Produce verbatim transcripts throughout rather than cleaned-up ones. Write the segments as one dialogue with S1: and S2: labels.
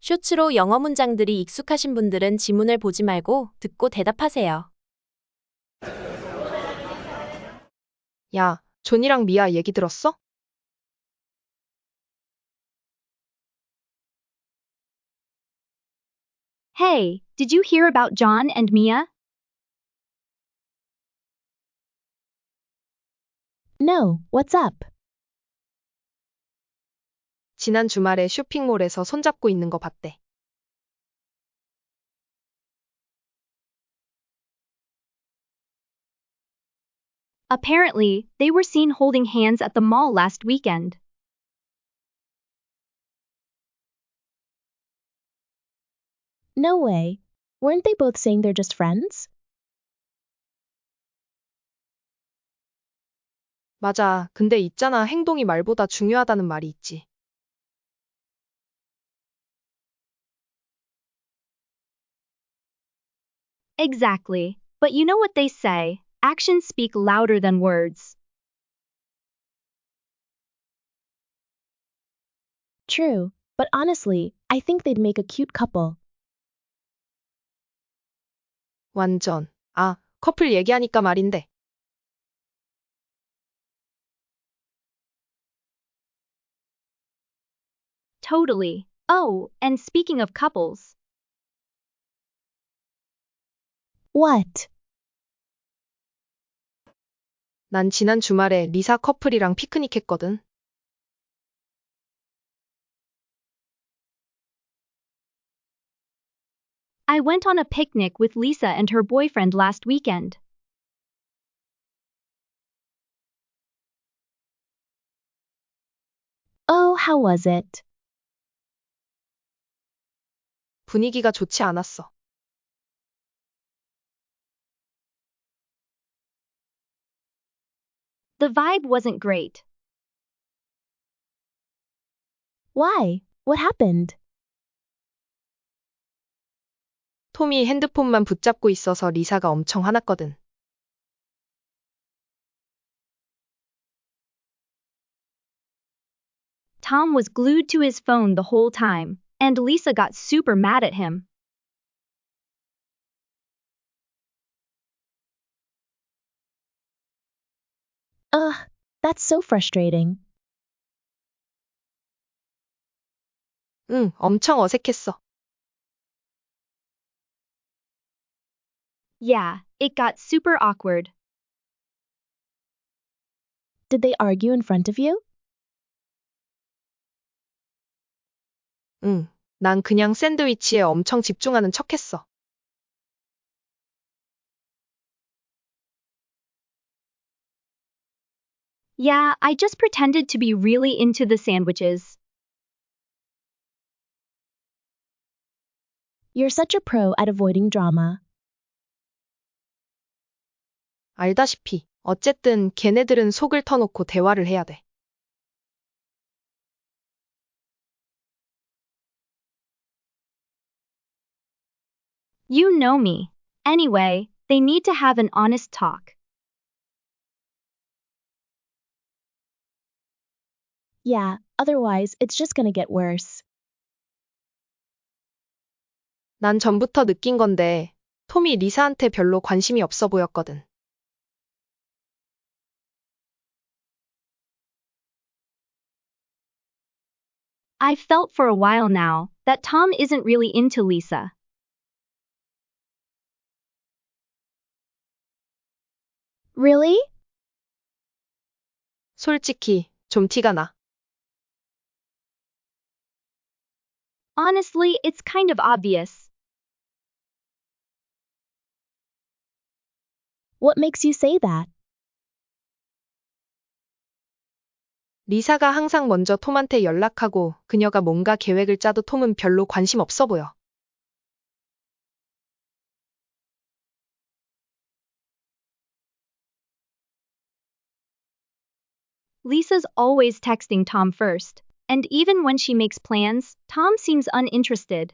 S1: 쇼츠로 영어 문장들이 익숙하신 분들은 지문을 보지 말고 듣고 대답하세요.
S2: 야, 존이랑 미아 얘기 들었어?
S3: Hey, did you hear about John and Mia?
S4: No, what's up?
S2: 지난 주말에 쇼핑몰에서 손잡고 있는 거 봤대.
S3: Apparently, they were seen holding hands at the mall last weekend.
S4: No way. Weren't they both saying they're just friends?
S2: 맞아. 근데 있잖아. 행동이 말보다 중요하다는 말이 있지.
S3: Exactly. But you know what they say, actions speak louder than words.
S4: True, but honestly, I think they'd make a cute couple.
S2: 완전. 아, 커플 얘기하니까 말인데.
S3: Totally. Oh, and speaking of couples,
S4: What?
S2: 난 지난 주말에 리사 커플이랑 피크닉 했거든.
S3: I went on a picnic with Lisa and her boyfriend last weekend.
S4: Oh, how was it?
S2: 분위기가 좋지 않았어.
S3: The vibe wasn't great.
S4: Why? What happened?
S2: 톰이 핸드폰만 붙잡고 있어서 리사가 엄청 화났거든.
S3: Tom was glued to his phone the whole time, and Lisa got super mad at him.
S4: Ugh, that's so frustrating.
S2: 응, 엄청 어색했어.
S3: Yeah, it got super awkward.
S4: Did they argue in front of you?
S2: 응, 난 그냥 샌드위치에 엄청 집중하는 척했어.
S3: Yeah, I just pretended to be really into the sandwiches.
S4: You're such a pro at avoiding drama.
S2: 알다시피, 어쨌든 걔네들은 속을 터놓고 대화를 해야 돼.
S3: You know me. Anyway, they need to have an honest talk.
S4: Yeah, otherwise, it's just gonna get worse.
S2: 난 전부터 느낀 건데, 톰이 리사한테 별로 관심이 없어 보였거든.
S3: I've felt for a while now that Tom isn't really into Lisa.
S4: Really?
S2: 솔직히, 좀 티가 나.
S3: Honestly, it's kind of obvious.
S4: What makes you say that?
S2: 리사가 항상 먼저 톰한테 연락하고 그녀가 뭔가 계획을 짜도 톰은 별로 관심 없어 보여.
S3: Lisa's always texting Tom first, and even when she makes plans, Tom seems uninterested.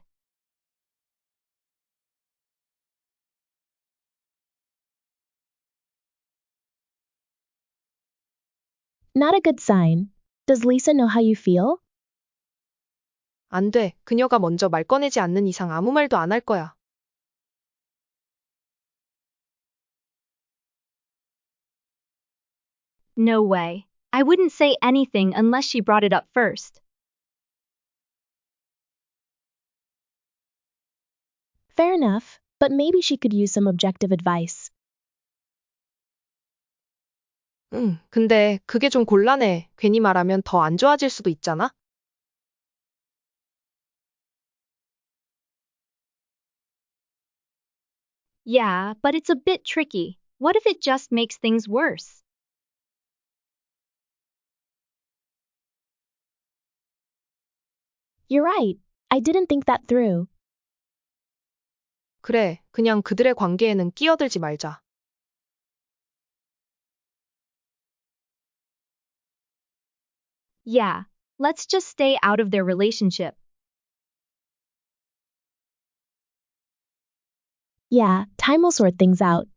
S4: Not a good sign. Does Lisa know how you feel?
S2: 안 돼. 그녀가 먼저 말 꺼내지 않는 이상 아무 말도 안 할 거야.
S3: No way. I wouldn't say anything unless she brought it up first.
S4: Fair enough, but maybe she could use some objective advice.
S2: 응, 근데 그게 좀 곤란해. 괜히 말하면 더 안 좋아질 수도 있잖아?
S3: Yeah, but it's a bit tricky. What if it just makes things worse?
S4: You're right. I didn't think that through.
S2: 그래, 그냥 그들의 관계에는 끼어들지 말자.
S3: Yeah, let's just stay out of their relationship.
S4: Yeah, time will sort things out.